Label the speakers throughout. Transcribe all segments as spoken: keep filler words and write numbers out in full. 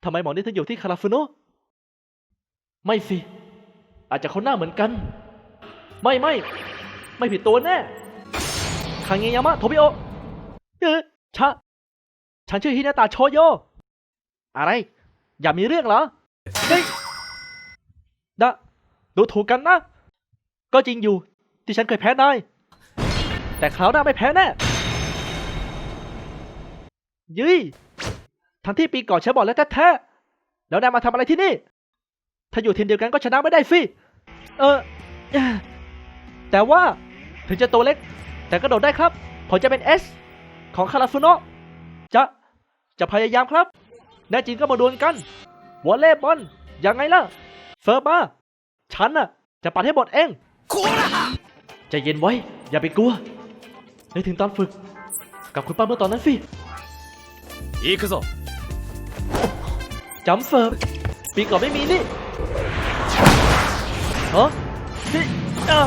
Speaker 1: ทำไมหมอนี่ถึงอยู่ที่คาราฟูโนะไม่สิอาจจะเขาหน้าเหมือนกันไม่ไม่ไม่ผิดตัวแน่คางเงยามะโทบิโอเอ๊ะชะฉันชื่อฮินาตะโชโยอะไรอย่ามีเรื่องเหรอเฮ้ยดะดูถูกกันนะก็จริงอยู่ที่ฉันเคยแพ้นายแต่คราวหน้าไม่แพ้แน่ยุ้ยทั้งที่ปีก่อนฉันบอกแล้วแท้ๆแล้วนายมาทำอะไรที่นี่ถ้าอยู่ทีมเดียวกันก็ชนะไม่ได้สิเออแต่ว่าถึงจะตัวเล็กแต่ก็โดดได้ครับผมจะเป็น S ของคาราฟูโนะจะจะพยายามครับแน่จริงก็มาดวลกันวอลเลย์บอลยังไงล่ะเฟิร์มมาฉันน่ะจะปัดให้หมดเองใจเย็นไว้อย่าไปกลัวนึกถึงตอนฝึกกับคุณป้าเมื่อตอนนั้นสิ
Speaker 2: 行くぞ
Speaker 1: จำเฟิร์มปีก่อนไม่มีนี่ฮะนี่อ่ะ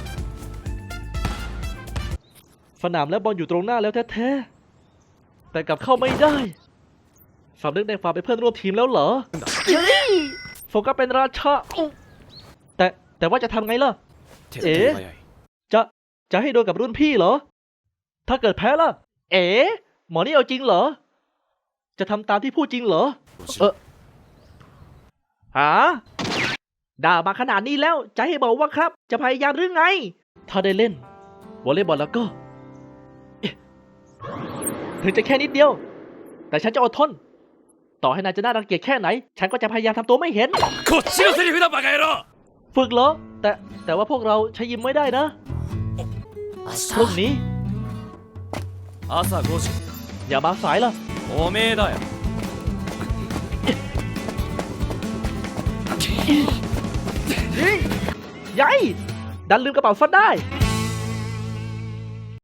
Speaker 1: สนามและบอลอยู่ตรงหน้าแล้วแท้ๆแต่กลับเข้าไม่ได้สำนึกในความเป็นเพื่อนร่วมทีมแล้วเหรอโฟกัสเป็นราชาแต่แต่ว่าจะทำไงล่ะเอ๋จะจะให้โดนกับรุ่นพี่เหรอถ้าเกิดแพ้ล่ะเอ๋หมอนี่เอาจริงเหรอจะทำตามที่พูดจริงเหรอเออหาด่ามาขนาดนี้แล้วจะให้บอกว่าครับจะพยายามหรือไงถ้าได้เล่นวอลเลย์บอลแล้วก็ถึงจะแค่นิดเดียวแต่ฉันจะอดทนต่อให้นายจะน่ารังเกียจแค่ไหนฉันก็จะพยายามทำตัวไม่เห็นฝึกเหรอแต่แต่ว่าพวกเราใช้ยิมไม่ได้นะพรุ่งนี้อย่ามาสายล่ะ
Speaker 2: おめえだよ
Speaker 1: ยัยดันลืมกระเป๋าซะได้